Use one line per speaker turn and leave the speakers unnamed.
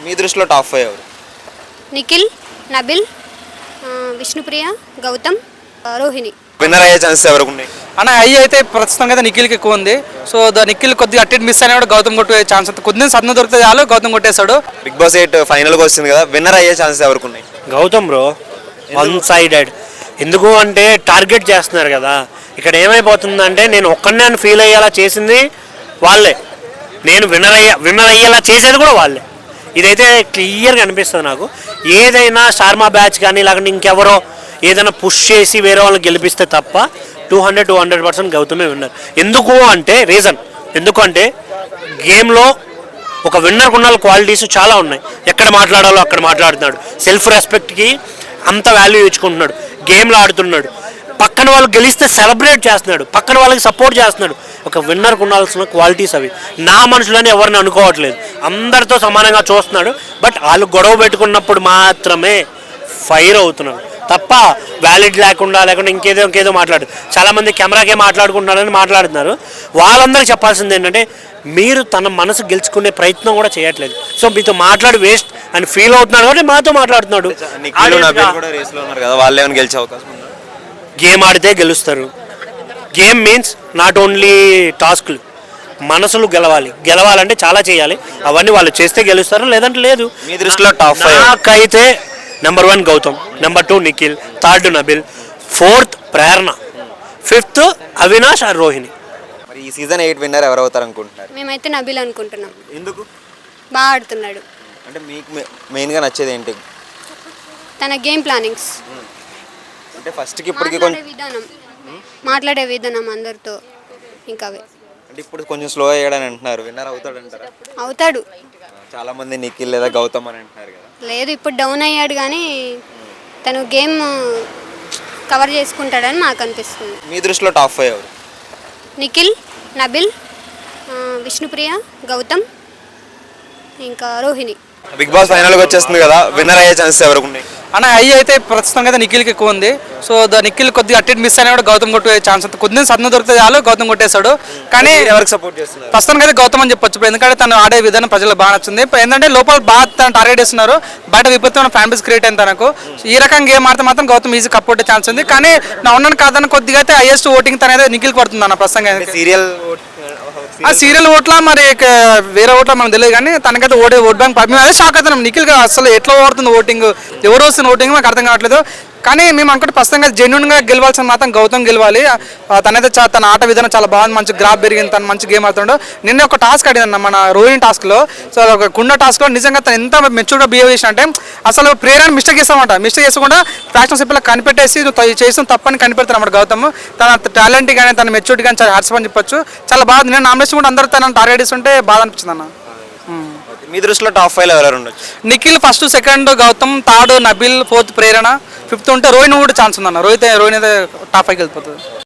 మీ దృష్టిలో టాప్ 5 ఎవరు?
నిఖిల్, నబిల్, విష్ణుప్రియ, గౌతమ్, రోహిణి.
విన్నర్ అయ్యే ఛాన్సెస్ ఎవరికి ఉన్నాయి?
అన్న అయితే ప్రస్తుతం అయితే నిఖిల్కి ఎక్కువ ఉంది. సో నిఖిల్ కొద్దిగా అట్టి మిస్ అయినా కూడా గౌతమ్ కొట్టే ఛాన్స్ ఉంది. కొద్దిగా సత్న దొరికితే చాలు గౌతమ్ కొట్టేశాడు.
బిగ్ బాస్ 8 ఫైనల్కి వస్తుంది కదా, విన్నర్ అయ్యే ఛాన్సెస్ ఎవరికి ఉన్నాయి?
Gautam bro, one sided. ఎందుకు అంటే టార్గెట్ చేస్తున్నారు కదా. ఇక్కడ ఏమైపోతుందంటే నేను ఒక్కడనే ఫీల్ అయ్యేలా చేసింది వాళ్ళే, నేను విన్నర్ అయ్యేలా చేసేది కూడా వాళ్ళే. ఇదైతే క్లియర్గా అనిపిస్తుంది నాకు. ఏదైనా స్టార్మా బ్యాచ్ కానీ లేకుంటే ఇంకెవరో ఏదైనా పుష్ చేసి వేరే వాళ్ళని గెలిపిస్తే తప్ప 200% గౌతమే విన్నర్. ఎందుకు అంటే రీజన్ ఎందుకంటే గేమ్లో ఒక విన్నర్కు ఉన్న క్వాలిటీస్ చాలా ఉన్నాయి. ఎక్కడ మాట్లాడాలో అక్కడ మాట్లాడుతున్నాడు, సెల్ఫ్ రెస్పెక్ట్కి అంత వాల్యూ ఇచ్చుకుంటున్నాడు, గేమ్లో ఆడుతున్నాడు, పక్కన వాళ్ళు గెలిస్తే సెలబ్రేట్ చేస్తున్నాడు, పక్కన వాళ్ళకి సపోర్ట్ చేస్తున్నాడు. ఒక విన్నర్కు ఉండాల్సిన క్వాలిటీస్ అవి. నా మనుషులని ఎవరిని అనుకోవట్లేదు, అందరితో సమానంగా చూస్తున్నాడు. బట్ వాళ్ళు గొడవ పెట్టుకున్నప్పుడు మాత్రమే ఫైర్ అవుతున్నాడు తప్ప వ్యాలిడ్ లేకుంటే ఇంకేదో మాట్లాడు. చాలామంది కెమెరాకే మాట్లాడుకుంటున్నారని మాట్లాడుతున్నారు. వాళ్ళందరికీ చెప్పాల్సింది ఏంటంటే మీరు తన మనసు గెలుచుకునే ప్రయత్నం కూడా చేయట్లేదు. సో మీతో మాట్లాడి వేస్ట్ అని ఫీల్ అవుతున్నాడు కాబట్టి మాతో మాట్లాడుతున్నాడు. గేమ్ ఆడితే గెలుస్తారు. గేమ్ మీన్స్ నాట్ ఓన్లీ టాస్క్లు, మనసులు గెలవాలంటే చాలా చేయాలి. అవన్నీ వాళ్ళు చేస్తే గెలుస్తారు, లేదంటే లేదు.
మీ దృష్టిలో టాప్ 5
నాకైతే number 1 Gautam, number 2 Nikhil, 3rd Nabeel, 4th Prerana, 5th Avinash or Rohini.
మరి ఈ సీజన్ 8 విన్నర్ ఎవరు అవుతారు అనుకుంటున్నారు?
మేమైతే నబిల్ అనుకుంటున్నాం.
ఎందుకు?
బాగా ఆడుతున్నాడు.
అంటే మీకు మెయిన్గా నచ్చేది ఏంటి?
తన గేమ్ ప్లానింగ్స్,
అంటే ఫస్ట్కి ఇప్పటికి కొంచెం
మాట్లాడే విధానం అందరితో ఇంకా అవే.
అంటే ఇప్పుడు కొంచెం స్లో అయ్యాడని అంటున్నారు, విన్నర్ అవుతాడు అంటారా?
అవుతాడు.
చాలా మంది నిఖిల్ లేదా గౌతమ్ అని అంటున్నారు కదా.
లేదు, ఇప్పుడు డౌన్ అయ్యాడు కానీ తను గేమ్ కవర్ చేసుకుంటాడని నాకు అనిపిస్తుంది.
మీ దృష్టిలో టాప్ 5 ఎవరు?
నిఖిల్, నబిల్, విష్ణుప్రియ, గౌతమ్, ఇంకా రోహిణి.
బిగ్ బాస్ ఫైనల్కి వచ్చేస్తుంది కదా, విన్నర్ అయ్యే ఛాన్సెస్ ఎవరికి ఉన్నాయి?
అన్న అయితే ప్రస్తుతం అయితే నిఖిల్కి ఎక్కువ ఉంది. సో నిఖిల్ కొద్దిగా అట్టి మిస్ అయినా కూడా గౌతమ్ కొట్టే ఛాన్స్ ఉంది. కొద్దిగా సత్న దొరికితే చాలు గౌతమ్ కొట్టేశాడు. కానీ
ఎవరికి సపోర్ట్ చేస్తున్నారు?
ప్రస్తుతానికి అయితే గౌతమ్ అని చెప్పొచ్చు. ఎందుకంటే తను ఆడే విధానం ప్రజలకు బాగా నచ్చింది. ఏంటంటే లోపల బాగా తను టార్గెట్ చేస్తున్నారు, బయట విపరీతమైన ఫ్యాన్ బేస్ క్రియేట్ అయింది తనకు. ఈ రకంగా గేమ్ ఆడితే మాత్రం గౌతమ్ ఈజీ కప్ కొట్టే ఛాన్స్ ఉంది. కానీ నా ఉన్నాను కాదని కొద్దిగా అయితే హైయెస్ట్ ఓటింగ్ తనైతే నిఖిల్ పడుతుంది అన్న ప్రస్తుతంగా. సీరియల్ ఓట్ల మరి వేరే ఓట్ల మనకు తెలియదు, కానీ తనకైతే ఓట్ బ్యాంక్ మేము అదే షాక్ అవుతున్నాం. నిఖిల్ అసలు ఎట్లా ఓడుతుంది ఓటింగ్, ఎవరు వస్తుంది ఓటింగ్ మాకు అర్థం కావట్లేదు. కానీ మేము అనుకుంటే ప్రస్తుతంగా జెన్యున్గా గెలవాల్సిన మాత్రం గౌతమ్ గెలవాలి. తనైతే తన ఆట విధానం చాలా బాగుంది, మంచి గ్రాఫ్ పెరిగింది, తను మంచి గేమ్ ఆడుతుండో. నిన్న ఒక టాస్క్ అడిగిందన్న మన రోహిణి టాస్క్లో. సో ఒక కుండ టాస్క్లో నిజంగా తను ఎంత మెచ్యూర్గా బిహేవ్ చేసిన అంటే అసలు ప్రేరణ మిస్టేక్ చేస్తామంట. మిస్టేక్ చేసుకుంటా ఫ్యాక్షన్షిప్లో కనిపెట్టేసి నువ్వు చేసిన తప్పని కనిపెడతానమాట గౌతమ్. తన టాలెంట్ కానీ తన మెచ్యూరిటీ కానీ చాలా హ్యాట్స్ అని చెప్పొచ్చు. చాలా బాగా నేను నామినేషన్ కూడా అందరూ తనని టార్గెట్ చేస్తుంటే బాధ అనిపించింది అన్న.
మీ దృష్టిలో టాప్ 5 ఎవరు ఉండొచ్చు?
Nikhil first, 2nd Gautam, 3rd Nabeel, 4th Prerana, 5th ఉంటే రోహిణి కూడా ఛాన్స్ ఉందన్న. రోహిణి అయితే టాప్ 5కి వెళ్ళిపోతుంది.